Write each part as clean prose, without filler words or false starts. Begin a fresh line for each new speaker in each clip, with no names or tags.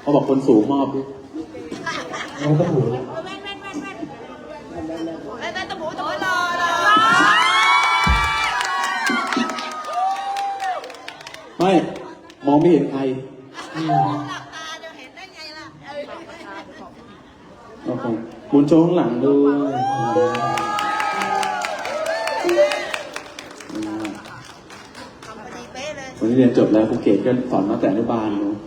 เขาบอกคนสูงมอบดิ
น้องตะหู
ไม่มองไม่เห็นใครโอเคหมุนโชว์ข้างหลังด้วยวันนี้เรียนจบแล้วครูเกศก็สอนตั้งแต่อนุบาลเนาะ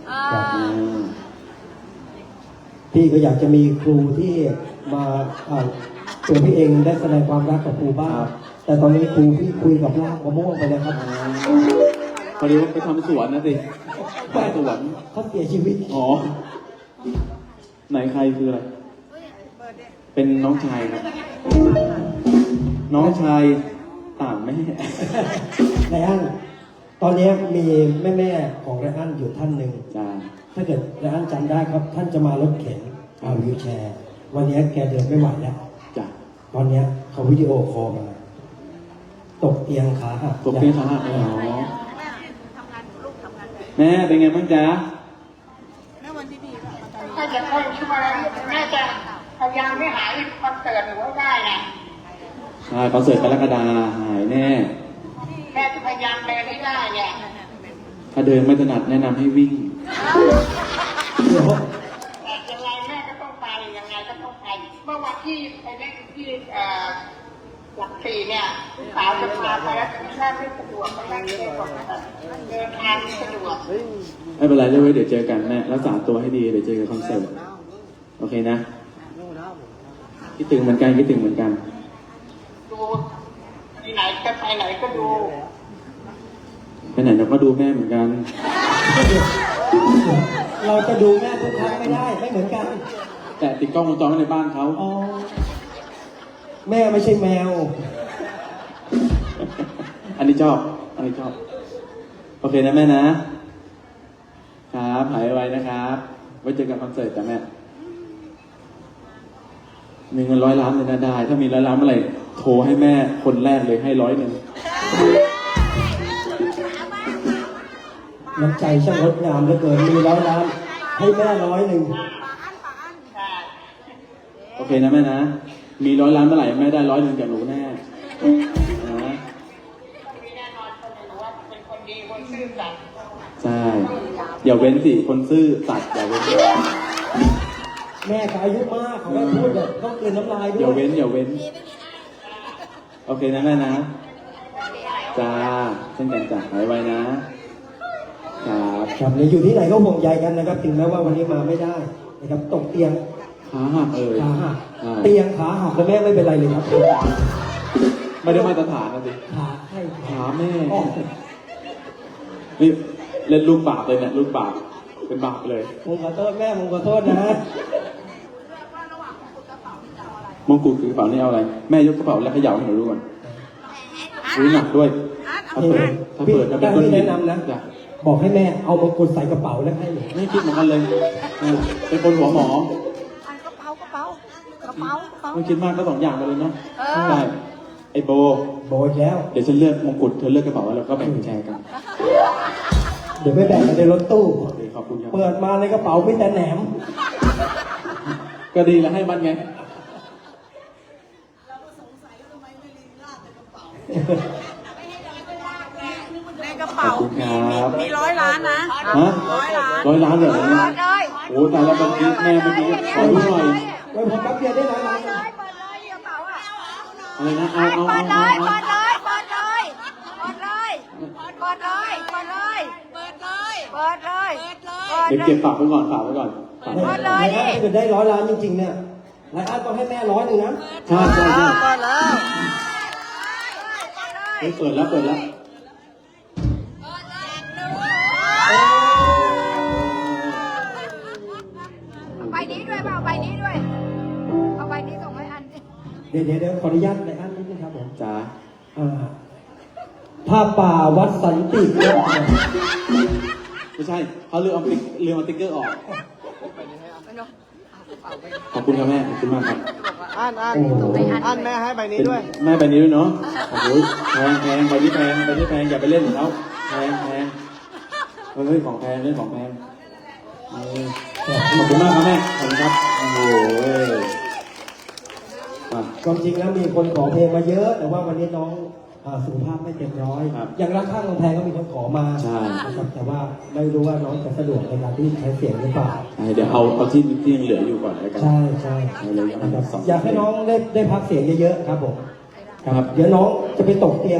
พี่ก็อยากจะมีครูที่มาตัวพี่เองได้แสดงความรักกับครูบ้างแต่ตอนนี้ครูพี่คุยกับลากมะม่วงไปแล้วครับ
พอดีว่าไปทำสวนนะสิไปสวน
เขาเสียชีวิต
อ๋อไหนใครคืออะไรเป็นน้องชายครับน้องชายต่างแม่
ไรอันตอนนี้มีแม่ของไรอันอยู่ท่านหนึ่ง
จ้า
ถ้าเกิดไรอันจำได้ครับท่านจะมารถเข็นวิวแชร์ วันนี้แกเดินไม่ไหวแล้ว
จ้า
ตอนนี้เขาวิดีโอคอลมาตกเตียงขาหัก
ตกเตียงขาหักอ๋อแม่เป็นไงบ้างจ๊ะ
ถ้าจะเข้าช่วยแม่จะพยายามไม่หายคอนเสิร์ตหรือว่าได้นะ
ใช่คอนเสิร์ตกรกฎาหายแน่
แม่จะพยายามเดินให้ได้เนี่ย
ถ้าเดินไม่ถนัดแนะนำให้วิ่ง
เดี๋ยว
แต่ยังไงแม่ก็ต้องไปยังไงก็ต้องไปเมื่อวันที่ไปเล่นที่หลักสี่เนี่ยลูกสาวจะพาไปแล้วแม่ไม่สะดวกแม่ไม่ได้บอกเดินทางไม่สะดวก
ไม่เป็นไรเดี๋ยวเจอกันแม่รักษาตัวให้ดีเดี๋ยวเจอกันคอนเสิร์ตโอเคนะคิดถึงเหมือนกันคิดถึงเหมือนกัน
ดูที่ไหนจะไปไหนก็ดู
ไปไหนเราก็ดูแม่เหมือนกัน
เราจะดูแม่ทุกครั้งไม่ได้ไม่เหมือนกัน
แต่ติดกล้องวงจรไว้ในบ้านเขา
อ๋อแม่ไม่ใช่แมว
อันนี้ชอบโอเคนะแม่นะครับหายไวนะครับไว้เจอกันคอนเสิร์ตจ้ะแม่มีเงิน100 ล้านเลยนะได้ ถ้ามี100 ล้านเมื่อไหร่โทรให้แม่คนแรกเลยให้100 นึง
น้ำใจช่างงดงามเหลือเกินมี100 ล้านให้แม่100
โอเคนะแม่นะมี100 ล้านเมื่อไหร่แม่ได้100 นึงจากหนูแน่นะ
มีแน่นอนคนหนูว่าเป็นคนดีคนซื่อสัตย์
ใช่อย่าเว้นสิคนซื่อสัตย์อย่าเว้น
แม่ก็อายุมากเขาไม่พูดแบบต้องกลืนน้ำลายด้
อย่า
วย
เว้นโอเคนะแม่นะจ้าเช่นกันจ้ะหายไวนะครับ
ครับเนี่ยอยู่ที่ไหนก็ห่วงใยกันนะครับถึงแม้ว่าวันนี้มาไม่ได้นะครับตกเตียง
ขาหัก
ขาหัก
ใช่
เตียงขาหักแล้วแม่ไม่เป็นไรเลยครับ
ไม่ได้มาตรฐานนะสิ
ขาให้
ขาแม่
อ๋อ
นี่เล่นลูกบาปเลยเนี่ยลูกบาปเป็นบาปเลย
ผมขอโทษแม่ผมขอโทษนะ
มงกุฎคือกระเป๋านี่เอาอะไรแม่ยกกระเป๋าแล้วเขย่าให้หนูดูก่อนรู้หนักด้วยถ้าเปิดจะเป็น
พี่
ก้อนหิ
แนะ
น
นำนะ
จ้ะ
บอกให้แม่เอามงกุฎใส่กระเป๋าแล้วให้หนู
ไม่คิดเหมือนกันเลยเป็นคนหัวหมอ
กระเป๋า
ไม่คิดมากก็2 อย่างไปเลยเนาะใช่ไอโบ
โบยแล้ว
เดี๋ยวฉันเลือกมงกุฎเธอเลือกกระเป๋าแล้วก็แบ่งแชร์กัน
เดี๋ยวไม่แบ่งกันในรถตู้
โอเคขอบคุณครับ
เปิดมาในกระเป๋าไม่แต่แหนม
ก็ดีแล้วให้มันไง
ในกระเป๋า
ขอบคุณครับ
มี100 ล้านนะ
ฮะ
100 ล้าน
100 ล้านเลยเหรอ
เปิดเลย
โอ้ตายแล้วบางทีแม่เมื่อกี้ขอดูหน่อย
ไว้ผมแป๊บเดียวได้100 ล้าน
เปิดเลยกระเป๋าอ่ะ
อะไรนะเอา
เปิดเลยเปิดเลยเปิดเลยเปิดเลยเปิดเลยเปิดเลยเปิดเลยเปิดเลย
เดี๋ยวเก็บฝากไว้ก่อนฝากไว้ก่อนฝากไว้
เปิ
ก่อน
ดเลยดิ
ถ้าเกิดได้100 ล้านจริงๆเนี่ยรายอันต้องให้แม่100 นึงนะ
ใช่ใช่ใช่
เปิดเลย
เฮ้ยเปิดแล้ว
ใบนี้ด้วยเปล่าใบนี้ด้วยเอาใบนี้ส่งให้อัน
เดี๋ยวขออนุญาตรายอันนิดนึงครับผม
จ้า
ผ้าป่าวัดสันติ
ไม่ใช่เขาลืมเอาติ๊กเกอร์ออกขอบคุณครับแม่ขอบคุณมากครับ
อันแม่ให้ใบนี้ด้วย
แม่ใบนี้ด้วยเนาะโอ้โหแพงใบนี้แพงอย่าไปเล่นของเขาแพงเฮ้ยของแพงเล่นของแพงขอบคุณมากครับแม่ขอบคุณครับโอ้โหมา
ความจริงแล้วมีคนขอเพลงมาเยอะ แต่ว่าวันนี้น้องสุขภาพไม่เต็มร้อย
ครับ
อย่างรักข้างกำแพงก็มีคนขอมา
ใช่
นะครับแต่ว่าไม่รู้ว่าน้องจะสะดวกในการที่ใช้เสียงหรือเปล่า
เดี๋ยวเอาที่ยังเหลืออยู่ก่อนแล้วกัน
ใช่ใช่
เอาเลย
นะครับ
สอง
อยากให้น้องได้พักเสียงเยอะๆครับผม
ครับ
เดี๋ยวน้องจะไปตกเตียง